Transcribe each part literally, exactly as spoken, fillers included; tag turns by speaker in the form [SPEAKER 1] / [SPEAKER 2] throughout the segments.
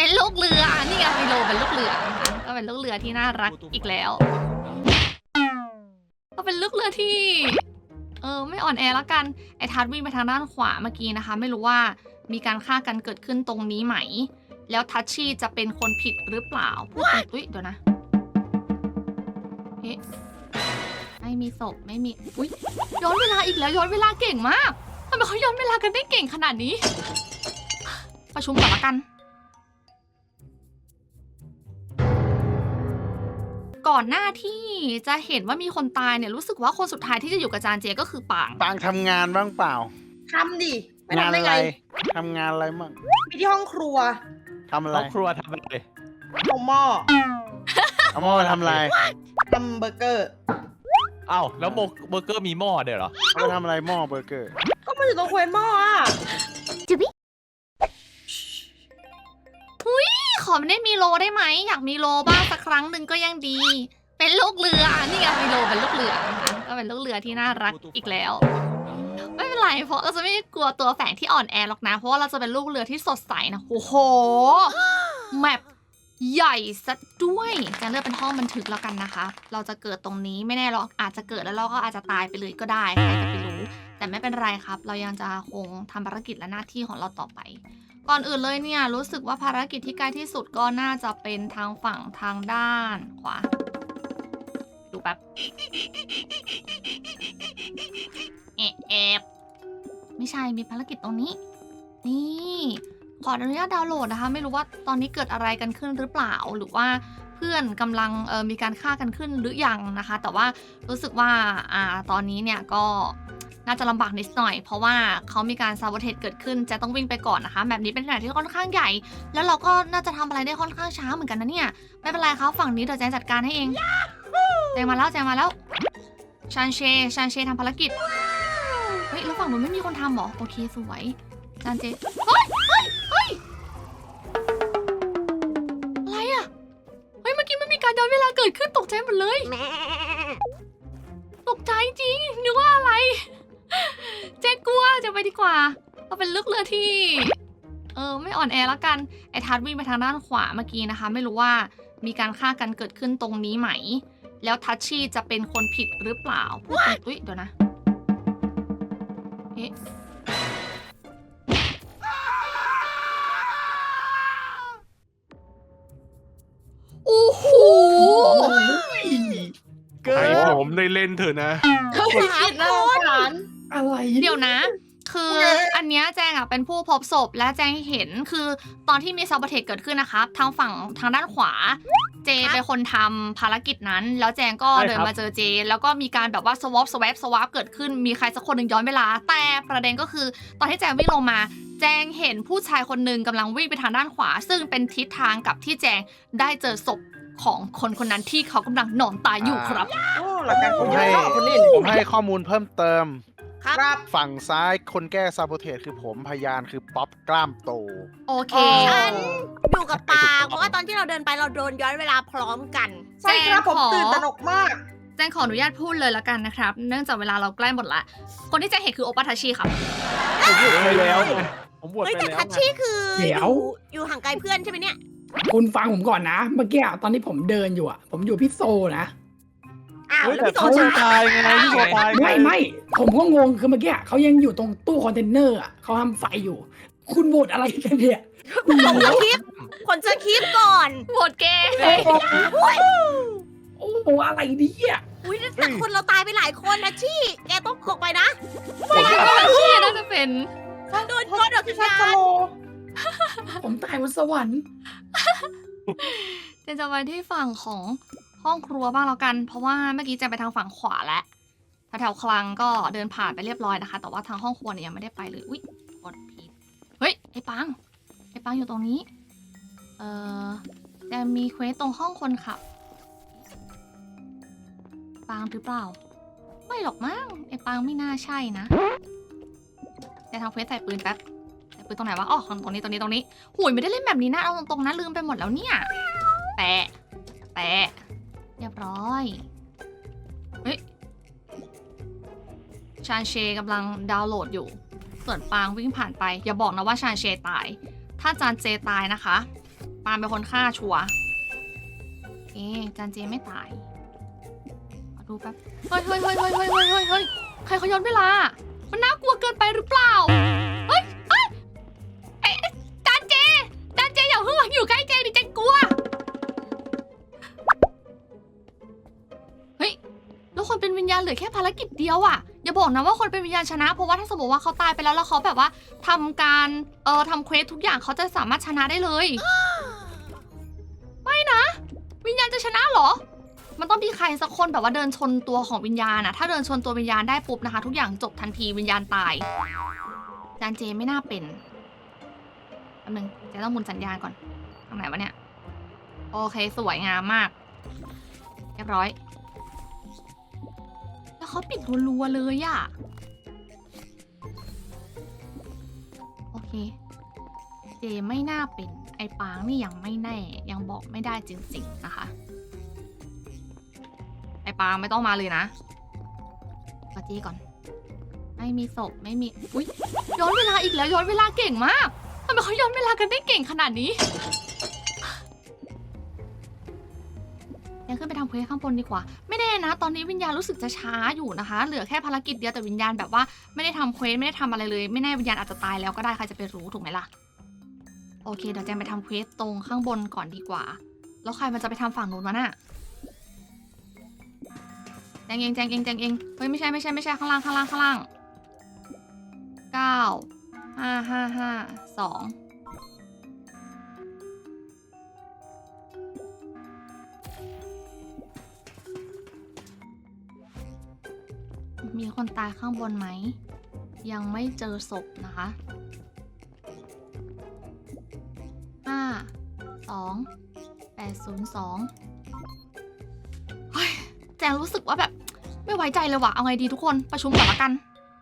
[SPEAKER 1] เป็นลูกเรือนี่ไงมิโลเป็นลูกเรือนะคะก็เป็นลูกเรือที่น่ารักอีกแล้วก็เป็นลูกเรือที่เออไม่อ่อนแอแล้วกันไอ้ทัดวิ่งไปทางด้านขวาเมื่อกี้นะคะไม่รู้ว่ามีการฆ่ากันเกิดขึ้นตรงนี้ไหมแล้วทัชชี่จะเป็นคนผิดหรือเปล่าพูดตรงอุ๊ยเดี๋ยวนะเอ๊ะไม่มีศพไม่มีอุ๊ยย้อนเวลาอีกแล้วย้อนเวลาเก่งมากทำไมเขาย้อนเวลากันได้เก่งขนาดนี้ประชุมก่อนละกันก่อนหน้าที่จะเห็นว่ามีคนตายเนี่ยรู้สึกว่าคนสุดท้ายที่จะอยู่กับจานเจก็คือปาง
[SPEAKER 2] ปางทำงานบ้างเปล่า
[SPEAKER 3] ทำดิไม่
[SPEAKER 2] งาน
[SPEAKER 3] ทำได้
[SPEAKER 2] อะไร
[SPEAKER 3] ไง
[SPEAKER 2] ทำงานอะไรมั่ง
[SPEAKER 3] มีที่ห้องครัว
[SPEAKER 2] ทำอะไร
[SPEAKER 4] ห้องครัวทำอะไร
[SPEAKER 3] เอาหม้อ
[SPEAKER 2] เอาหม้อมาทำอะไร
[SPEAKER 3] ทำเบอร์เกอร์
[SPEAKER 4] อ้าวแล้วโมเบอร์เกอร์มีหม้อเดี๋ยวเหรอ
[SPEAKER 2] เอามาทำอะไรหม้อเบอร์เกอร์
[SPEAKER 3] ก็มันอยู่ตรงเควหม้ออ่ะ
[SPEAKER 1] ขอไม่ได้มีโลได้ไหมอยากมีโลบ้างสักครั้งหนึ่งก็ยังดี เป็นลูกเรือนี่ไงมีโลเป็นลูกเรือนะคะก็เป็นลูกเรือที่น่ารักอีกแล้ว ไม่เป็นไรเพราะเราจะไม่กลัวตัวแฝงที่อ่อนแอหรอกนะเพราะว่าเราจะเป็นลูกเรือที่สดใสนะโอ้โหแมปใหญ่ซะด้วยจะเลือกเป็นห้องบันทึกแล้วกันนะคะเราจะเกิดตรงนี้ไม่แน่หรอกอาจจะเกิดแล้วเราก็อาจจะตายไปเลยก็ได้ใครจะไปรู้แต่ไม่เป็นไรครับเรายังจะคงทำภารกิจและหน้าที่ของเราต่อไปก่อนอื่นเลยเนี่ยรู้สึกว่าภารกิจที่ใกล้ที่สุดก็น่าจะเป็นทางฝั่งทางด้านขวาดูแป๊บเอะแอบไม่ใช่มีภารกิจตรงนี้นี่ขออนุญาตดาวน์โหลดนะคะไม่รู้ว่าตอนนี้เกิดอะไรกันขึ้นหรือเปล่าหรือว่าเพื่อนกำลังเออมีการฆ่ากันขึ้นหรือยังนะคะแต่ว่ารู้สึกว่าอ่าตอนนี้เนี่ยก็น่าจะลำบากนิดหน่อยเพราะว่าเขามีการซาโบเทสเกิดขึ้นจะต้องวิ่งไปก่อนนะคะแบบนี้เป็นแบบที่ค่อนข้างใหญ่แล้วเราก็น่าจะทำอะไรได้ค่อนข้างช้าเหมือนกันนะเนี่ยไม่เป็นไรครับฝั่งนี้เดี๋ยวแจงจัดการให้เองแจงมาแล้วแจงมาแล้วชานเชชานเชทำภารกิจเฮ้ยแล้วฝั่งนู้นไม่มีคนทำหรอโอเคสวยชานเจเฮ้ยเฮ้ยเฮ้ยอะไรอะเฮ้ยเมื่อกี้มันมีการย้อนเวลาเกิดขึ้นตกใจหมดเลยตกใจจริงนึกว่าอะไรเจ๊กลัวจะไปดีกว่าเราเป็นลูกเรือที่เออไม่อ่อนแอแล้วกันไอ้ทัดวิ่งไปทางด้านขวาเมื่อกี้นะคะไม่รู้ว่ามีการฆ่ากันเกิดขึ้นตรงนี้ไหมแล้วทัชชี่จะเป็นคนผิดหรือเปล่าพูดตรงอุ๊ยเดี๋ยวนะเอ๊ะโอ้โห
[SPEAKER 5] ให้ผมได้เล่นเถอะนะ
[SPEAKER 3] เขาผิดผิดนะหลาน
[SPEAKER 6] อะไร
[SPEAKER 1] เดี๋ยวนะ คืออันเนี้ยแจงอ่ะเป็นผู้พบศพและแจงเห็นคือตอนที่มีซาบเทคเกิดขึ้นนะครับทางฝั่งทางด้านขวาเจเป็นคนทำภารกิจนั้นแล้วแจงก็เดินมาเจอเจแล้วก็มีการแบบว่าสวอปสวปสวปเกิดขึ้นมีใครสักคนหนึ่งย้อนเวลาแต่ประเด็นก็คือตอนที่แจงวิ่งลงมาแจงเห็นผู้ชายคนหนึ่งกำลังวิ่งไปทางด้านขวาซึ่งเป็นทิศทางกับที่แจงได้เจอศพของคนคนนั้นที่เขากำลังนอนตายอยู่ครับ
[SPEAKER 3] โอ้หลักการ
[SPEAKER 2] ผ
[SPEAKER 3] ผม
[SPEAKER 2] ม
[SPEAKER 3] ให้
[SPEAKER 2] ให้
[SPEAKER 3] คนนี้
[SPEAKER 2] ผมให้ข้อมูลเพิ่มเติม
[SPEAKER 3] ครับ
[SPEAKER 2] ฝั่งซ้ายคนแก้ซาโบเทสคือผมพยานคือป๊อปกล้ามโต
[SPEAKER 1] โอเค
[SPEAKER 7] ฉันอยู่กับปางเพราะว่าตอนที่เราเดินไปเราโดนย้อนเวลาพร้อมกัน
[SPEAKER 3] ใช่ครับผมตื่นตระหนกมาก
[SPEAKER 1] แจงขออนุญาตพูดเลยละกันนะครับ เนื่องจากเวลาเราใกล้หมดละ คนที่แจงเห็นคือโอปาทาชิครับ
[SPEAKER 4] ผมบวชไปแล้วไงผมบวช
[SPEAKER 7] เฮ้ย
[SPEAKER 4] ไป
[SPEAKER 7] แต่
[SPEAKER 4] แล้ว
[SPEAKER 7] ทัช
[SPEAKER 4] ไง
[SPEAKER 7] ชี่คือ
[SPEAKER 6] เดี๋ยว
[SPEAKER 7] อยู่อยู่ห่างไกลเพื่อนใช่ไหมเนี่ย
[SPEAKER 6] คุณฟังผมก่อนนะ เมื่อกี้อะตอนที่ผมเดินอยู่อ่ะ ผมอยู่พี่โซนะ
[SPEAKER 7] อ้าว
[SPEAKER 4] เฮ้ย
[SPEAKER 7] แล้ว
[SPEAKER 4] แต่
[SPEAKER 7] พี่โต
[SPEAKER 4] เขา
[SPEAKER 7] ช้า
[SPEAKER 4] ตายไงพี่โซตายง
[SPEAKER 6] ไม่ไม่ผมก็งงคือเมื่อกี้อะเขายังอยู่ตรงตู้คอนเทนเนอร์อ่ะเขาทำไฟอยู่ คุณโหวตอะไรกันเนี่ย
[SPEAKER 7] ผมจะคลิปผมจะคลิปก่อน
[SPEAKER 1] โหวตเกย์
[SPEAKER 6] โอ้โหอะไรเนี่ย
[SPEAKER 7] อุ้ยแต่คนเราตายไปหลายคนนะชี่แกต้องออกไปนะ
[SPEAKER 1] ผมคิดว่าทาชิน่าจะเป็น
[SPEAKER 7] โดนโดนดอก
[SPEAKER 3] พี่
[SPEAKER 7] วิญ
[SPEAKER 3] ชัก
[SPEAKER 7] ญา
[SPEAKER 3] ส
[SPEAKER 7] ณ
[SPEAKER 3] โล
[SPEAKER 6] ผมตายบนสวรรค์
[SPEAKER 1] เจนจะไปที่ฝั่งของห้องครัวบ้างแล้วกัน เพราะว่าเมื่อกี้แจงไปทางฝั่งขวาแล้วแถวๆคลังก็เดินผ่านไปเรียบร้อยนะคะ แต่ว่าทางห้องครัวเนี่ยยังไม่ได้ไปเลย อุ๊ยกดผิดเฮ้ย ไอ้ปัง ไอ้ปังอยู่ตรงนี้ เอ่อแจงมีเควสตรงห้องคนขับ ปังหรือเปล่า ไม่หรอกมั้ง ไอ้ปังไม่น่าใช่นะแต่ทำเควสใส่ปืนแป๊บ ใส่ปืนตรงไหนวะ อ๋อตรงนี้ ตรงนี้ ตรงนี้หุยไม่ได้เล่นแบบนี้นะ เอาตรงๆนะลืมไปหมดแล้วเนี่ย แปะ แปะ เรียบร้อย เฮ้ย ชานเชกำลังดาวน์โหลดอยู่ ส่วนปางวิ่งผ่านไป อย่าบอกนะว่าชานเชตาย ถ้าจานเจตายนะคะปาล์มเป็นคนฆ่าชัวร์เอ๊ะจานเจไม่ตายขอดูแป๊บเฮ้ยเฮ้ยเฮ้ยเฮ้ยเฮ้ยเฮ้ยเฮ้ยเฮ้ยใครเขาย้อนเวลา มันน่ากลัวเกินไปหรือเปล่าเฮ้ยเฮ้ยเอ๊ะจานเจจานเจอย่าเพิ่งมาอยู่ใกล้เจดิเจนกลัวเฮ้ยแล้วคนเป็นวิญญาณเหลือแค่ภารกิจเดียวอ่ะอย่าบอกนะว่าคนเป็นวิญญาณชนะเพราะว่าถ้าสมมติว่าเขาตายไปแล้วแล้วเขาแบบว่าทำการเอ่อทำเควสทุกอย่างเขาจะสามารถชนะได้เลย ไม่นะ วิญญาณจะชนะเหรอ มันต้องมีใครสักคนแบบว่าเดินชนตัวของวิญญาณนะถ้าเดินชนตัววิญญาณได้ปุ๊บนะคะ ทุกอย่างจบทันทีวิญญาณตายจานเจไม่น่าเป็นแป๊บนึงเจะต้องหมุนสัญญาณก่อนทางไหนวะเนี่ยโอเคสวยงามมากเรียบร้อยแล้วเขาปิดรัวๆเลยอะโอเคเจไม่น่าเป็นไอ้ปางนี่ยังไม่แน่ยังบอกไม่ได้จริงๆนะคะไอ้ปางไม่ต้องมาเลยนะกดจีก่อนไม่มีศพไม่มีอุ๊ยย้อนเวลาอีกแล้วย้อนเวลาเก่งมากทำไมเขาย้อนเวลากันได้เก่งขนาดนี้ยังขึ้นไปทำเควสข้างบนดีกว่าไม่แน่นะตอนนี้วิญญาณรู้สึกจะช้าอยู่นะคะเหลือแค่ภารกิจเดียวแต่วิญญาณแบบว่าไม่ได้ทำเควสไม่ได้ทำอะไรเลยไม่แน่วิญญาณอาจจะตายแล้วก็ได้ใครจะไปรู้ถูกไหมล่ะโอเคเดี๋ยวแจงไปทำเควสตรงข้างบนก่อนดีกว่าแล้วใครมันจะไปทำฝั่งนู้นวะน่ะแจงเองแจงเองแจงเองเฮ้ยไม่ใช่ไม่ใช่ไม่ใช่ข้างล่างข้างล่างข้างล่างเก้าห้าห้าห้าสองมีคนตายข้างบนไหมยังไม่เจอศพนะคะห้าสองแปดศูนย์สองเฮ้ยแจงรู้สึกว่าแบบไม่ไว้ใจเลยว่ะเอาไงดีทุกคนประชุมก่อนละกัน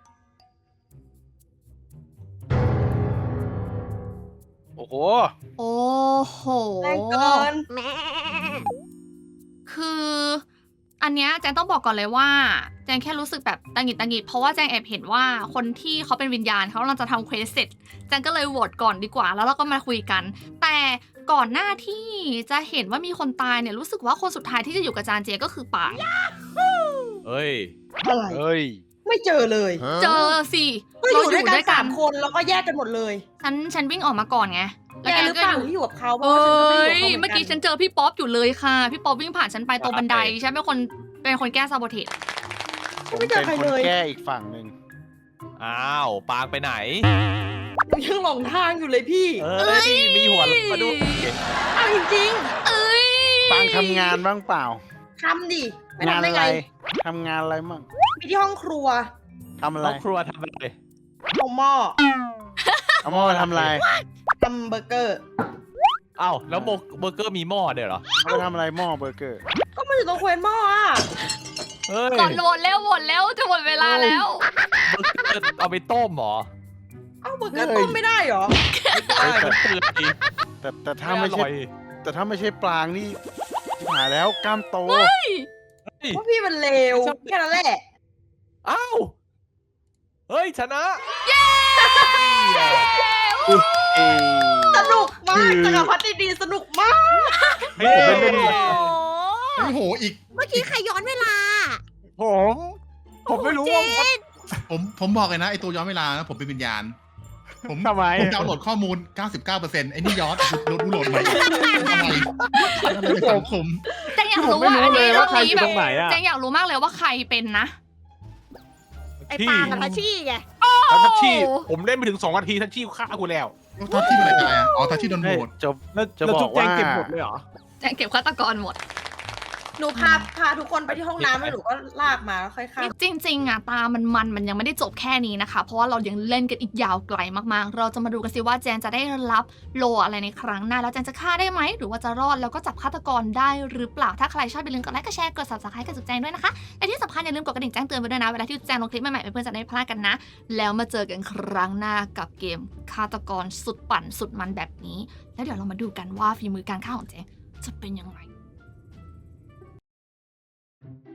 [SPEAKER 2] โอ้โห
[SPEAKER 1] โอ้โห
[SPEAKER 3] แรงเกิน
[SPEAKER 7] แม่
[SPEAKER 1] คืออันเนี้ยแจงต้องบอกก่อนเลยว่าแจงแค่รู้สึกแบบตังหงิดตังหงิดเพราะว่าแจงแอบเห็นว่าคนที่เขาเป็นวิญญาณเขากำลังจะทำเควสเสร็จแจงก็เลยโหวตก่อนดีกว่าแล้วเราก็มาคุยกัน แต่ก่อนหน้าที่จะเห็นว่ามีคนตายเนี่ยรู้สึกว่าคนสุดท้ายที่จะอยู่กับจานเจก็คือป่าง
[SPEAKER 4] เฮ้ย
[SPEAKER 3] อะไร
[SPEAKER 2] เฮ้ย
[SPEAKER 3] ไม่เจอเลย
[SPEAKER 1] เจอสิ
[SPEAKER 3] ก็อยู่ด้วยกันสามคนแล้วก็แยกกันหมดเลย
[SPEAKER 1] ฉันฉันวิ่งออกมาก่อนไง
[SPEAKER 3] แกหรือเปล่าที่อยู่กับเขาเพ
[SPEAKER 1] เอ
[SPEAKER 3] ราะว่าฉันก็ไม่
[SPEAKER 1] ้
[SPEAKER 3] ได้
[SPEAKER 1] ย
[SPEAKER 3] อยู่กับเขาเหมื
[SPEAKER 1] เมื่
[SPEAKER 3] อ
[SPEAKER 1] อน
[SPEAKER 3] กั
[SPEAKER 1] กี้ฉั
[SPEAKER 3] น
[SPEAKER 1] นเจอพี่ป๊อปอยู่เลยค่ะพี่ป๊อปวิ่งผ่านฉันไปตรงบันไดฉันเป็นคนเป็นคนแก้ซาโบเทส
[SPEAKER 2] ผมเป็นคนแก้อีกฝั่งหนึ่ง
[SPEAKER 4] อ้าวปางไปไหน
[SPEAKER 3] ยังหลงทางอยู่เลยพี่
[SPEAKER 4] เออนี่มีหัวมาดู
[SPEAKER 3] เอาจริง
[SPEAKER 1] เอ้ย
[SPEAKER 2] ปางทำงานบ้างเปล่า
[SPEAKER 3] ๆทำดิไม่
[SPEAKER 2] งาน
[SPEAKER 3] ทำได้
[SPEAKER 2] อะไร
[SPEAKER 3] ไง
[SPEAKER 2] ทำงานอะไรมั่ง
[SPEAKER 3] มีที่ห้องครัว
[SPEAKER 2] ทำอะไร
[SPEAKER 4] น้องครัวทำอะไร
[SPEAKER 3] เอาหม้อ
[SPEAKER 2] เอาหม้อมาทำอะไร
[SPEAKER 3] ทำเบอร์เกอร์
[SPEAKER 4] อ้าวแล้วโมเบอร์เกอร์มีหม้อเดี๋ยวเหรอ
[SPEAKER 2] เอาไปทำอะไรหม้อเบอร์เกอร์
[SPEAKER 3] ก็มาอยู่ตรงเควนหม้ออ่ะ
[SPEAKER 4] เฮ้ย
[SPEAKER 1] ก่อนโหวตแล้วโหวตแล้วจะหมดเวลาแล้ว
[SPEAKER 4] เบอร์เกอร์เอาไปต้มเหรอ
[SPEAKER 3] เอ้าเบอร์เกอร์ต้มไม่ได้เหรอ
[SPEAKER 4] ใช่มันเปื่อย
[SPEAKER 2] แต่แต่ถ้า
[SPEAKER 4] ไม่
[SPEAKER 2] ไม่
[SPEAKER 4] อ
[SPEAKER 2] ใช่
[SPEAKER 4] ร่อย
[SPEAKER 2] แต่ถ้าไม่ใช่ปลางนี่ชิบหายแล้วกล้ามโต
[SPEAKER 4] เฮ้ย
[SPEAKER 3] เพราะพี่มันเลวแค่นั้นแหละ
[SPEAKER 4] อ้าวเฮ้ยชนะ
[SPEAKER 1] เย้
[SPEAKER 2] เอ้ย
[SPEAKER 3] สนุกมากจักรพรรดิดีสนุกมาก
[SPEAKER 4] เฮ้ย
[SPEAKER 2] ผมไม่เล่น
[SPEAKER 7] โอ้โห
[SPEAKER 8] โอ้โห อีก
[SPEAKER 7] เมื่อกี้ใครย้อนเวลา
[SPEAKER 2] ผม ผมไม่รู้ว่า
[SPEAKER 8] ผม ผมบอกเลยนะ ไอตัวย้อนเวลานะผมเป็นวิญญาณ ผม
[SPEAKER 2] ทำไม
[SPEAKER 8] ผมดาวน์โหลดข้อมูล เก้าสิบเก้าเปอร์เซ็นต์ ไอ้นี่ย้อนโหลดโหลดใหม่ทำไมทำไมเป็นสังคม
[SPEAKER 1] แจงอยากรู้ว่า
[SPEAKER 2] ผมไม่รู้
[SPEAKER 1] อันนี้
[SPEAKER 2] เลย
[SPEAKER 1] รอ
[SPEAKER 2] ว่า
[SPEAKER 1] บ
[SPEAKER 2] ใคร
[SPEAKER 1] นี้
[SPEAKER 2] อยู่
[SPEAKER 1] แบ
[SPEAKER 2] ต
[SPEAKER 1] บ
[SPEAKER 2] รงไหนอะ
[SPEAKER 1] แจงอยากรู้มากเลยว่าใครเป็นนะ
[SPEAKER 7] ไอ้ปางกับทัชชี่ไง
[SPEAKER 5] แล้วทัชชี่ผมเล่นไปถึงสองนาทีทัชชี่ฆ่ากูแล้ว
[SPEAKER 8] ทัชชี่เป็นอะไรตายอ่ะ อ๋อ ทัชชี่โดนโหวต
[SPEAKER 2] จบ
[SPEAKER 5] แล้ว
[SPEAKER 2] จะ
[SPEAKER 5] แล้ว
[SPEAKER 2] บ
[SPEAKER 5] จุ
[SPEAKER 2] อก
[SPEAKER 5] แจ
[SPEAKER 2] ว่า
[SPEAKER 5] งเก็บหมดเลยเหรอ
[SPEAKER 1] แจงเก็บฆาตกรหมด
[SPEAKER 3] หนูพาพาทุกคนไปที่ห้องน้ำแล้วหนูก็ลากมาแล้วค่อยข้าม
[SPEAKER 1] จริงๆอ่ะตามันมันมันยังไม่ได้จบแค่นี้นะคะ เพราะว่าเรายังเล่นกันอีกยาวไกลมากๆ เราจะมาดูกันสิว่าแจนจะได้รับโลอะไรในครั้งหน้าแล้วแจนจะฆ่าได้ไหมหรือว่าจะรอดแล้วก็จับฆาตกรได้หรือเปล่าถ้าใครชอบอย่าลืมกดไลค์กดแชร์กด ซับสไครบ์ กับจุ๊บแจงด้วยนะคะและที่สำคัญอย่าลืมกดกระดิ่งแจ้งเตือนไปด้วยนะเวลาที่จุ๊บแจงลงคลิปใหม่ๆเพื่อนๆจะได้ไม่พลาดกันนะ แล้วมาเจอกันครั้งหน้ากับเกมฆาตกรสุดปั่นสุดมันแบบนี้ แล้วเดี๋ยวเรามาดูกันว่าฝีมือการฆ่าของแจงจะเป็นยังไง